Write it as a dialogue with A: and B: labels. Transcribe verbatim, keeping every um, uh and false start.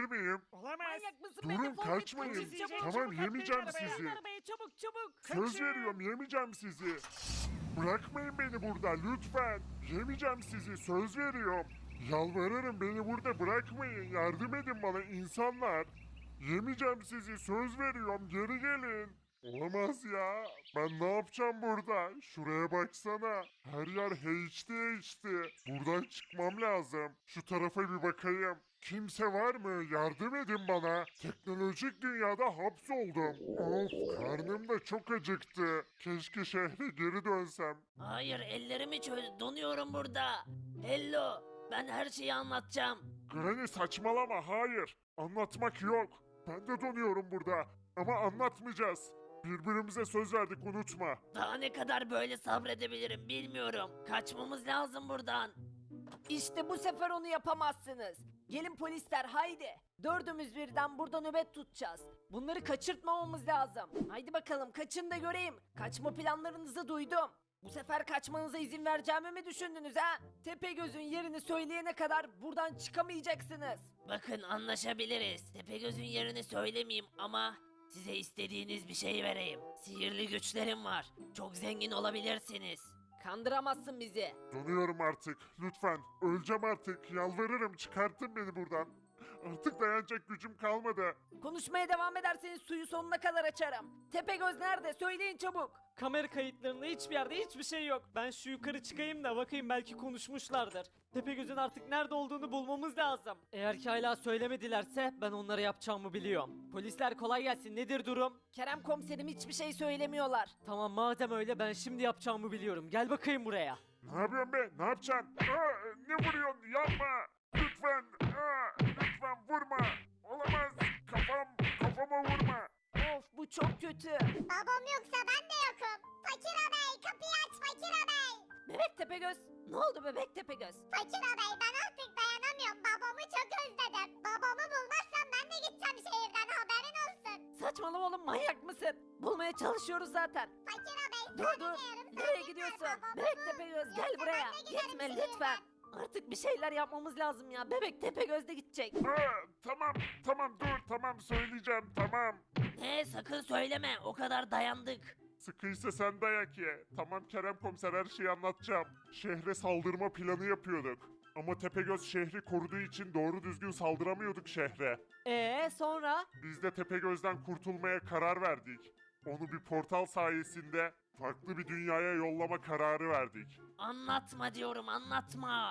A: miyim?
B: Olamaz.
C: Manyak mısın?
A: Durun,
C: Beni defol git,
A: kaçmayın.
C: kaçın çabuk.
A: Tamam,
B: Çabuk
A: yemeyeceğim
B: atlayın
A: sizi.
B: arabaya.
C: Arabaya çabuk çabuk.
A: Söz
B: Kaçın.
A: veriyorum, yemeyeceğim sizi. Bırakmayın beni burada lütfen. Yemeyeceğim sizi, söz veriyorum. Yalvarırım, beni burada bırakmayın. Yardım edin bana insanlar. Yemeyeceğim sizi, söz veriyorum, geri gelin. Olamaz ya. Ben ne yapacağım burada? Şuraya baksana. Her yer H D H D. Buradan çıkmam lazım. Şu tarafa bir bakayım. Kimse var mı? Yardım edin bana. Teknolojik dünyada hapsoldum. Of, karnım da çok acıktı. Keşke şehre geri dönsem.
D: Hayır ellerimi çöz donuyorum burada. Hello ben her şeyi anlatacağım.
A: Granny saçmalama, hayır. Anlatmak yok. Ben de donuyorum burada. Ama anlatmayacağız. Birbirimize söz verdik, unutma.
D: Daha ne kadar böyle sabredebilirim bilmiyorum. Kaçmamız lazım buradan.
C: İşte bu sefer onu yapamazsınız. Gelin polisler haydi. Dördümüz birden burada nöbet tutacağız. Bunları kaçırtmamamız lazım. Haydi bakalım kaçın da göreyim. Kaçma planlarınızı duydum. Bu sefer kaçmanıza izin vereceğimi mi düşündünüz ha? Tepegöz'ün yerini söyleyene kadar buradan çıkamayacaksınız.
D: Bakın anlaşabiliriz. Tepegöz'ün yerini söylemeyeyim ama size istediğiniz bir şey vereyim. Sihirli güçlerim var. Çok zengin olabilirsiniz.
C: Kandıramazsın bizi.
A: Donuyorum artık. Lütfen. Öleceğim artık. Yalvarırım, çıkartın beni buradan. Artık dayanacak gücüm kalmadı.
C: Konuşmaya devam ederseniz suyu sonuna kadar açarım. Tepegöz nerede? Söyleyin çabuk.
B: Kamera kayıtlarında hiçbir yerde hiçbir şey yok. Ben şu yukarı çıkayım da bakayım belki konuşmuşlardır. Tepegöz'ün artık nerede olduğunu bulmamız lazım. Eğer ki hala söylemedilerse ben onlara yapacağımı biliyorum. Polisler kolay gelsin, nedir durum?
C: Kerem komiserim hiçbir şey söylemiyorlar.
B: Tamam madem öyle ben şimdi yapacağımı biliyorum. Gel bakayım buraya.
A: Ne yapıyorsun be? Ne yapacaksın? Aa, ne vuruyorsun? Yapma. Lütfen. Aa, lütfen vurma. Olamaz. Kafam. Kafama vurma.
C: Of bu çok kötü.
E: Babam yoksa ben de yokum. Fakir ağabey kapıyı aç Fakir ağabey.
C: Bebek Tepegöz. Ne oldu Bebek Tepegöz?
E: Fakir ağabey ben artık dayanamıyorum. Babamı çok özledim. Babamı bulmazsam ben de gideceğim şehirden haberin olsun.
C: Saçmalama oğlum manyak mısın? Bulmaya çalışıyoruz zaten.
E: Fakir ağabey
C: Dur dur. Nereye gidiyorsun? Bebek Tepegöz gel buraya. Gitme lütfen. Artık bir şeyler yapmamız lazım ya. Bebek Tepegöz de gidecek.
A: Aa, tamam. Tamam dur. Tamam söyleyeceğim. Tamam.
D: Ne sakın söyleme o kadar dayandık.
A: Sıkıysa sen dayak ye. Tamam Kerem komiser, her şeyi anlatacağım. Şehre saldırma planı yapıyorduk. Ama Tepegöz şehri koruduğu için doğru düzgün saldıramıyorduk şehre.
B: Ee sonra?
A: Biz de Tepegöz'den kurtulmaya karar verdik. Onu bir portal sayesinde farklı bir dünyaya yollama kararı verdik.
D: Anlatma diyorum anlatma.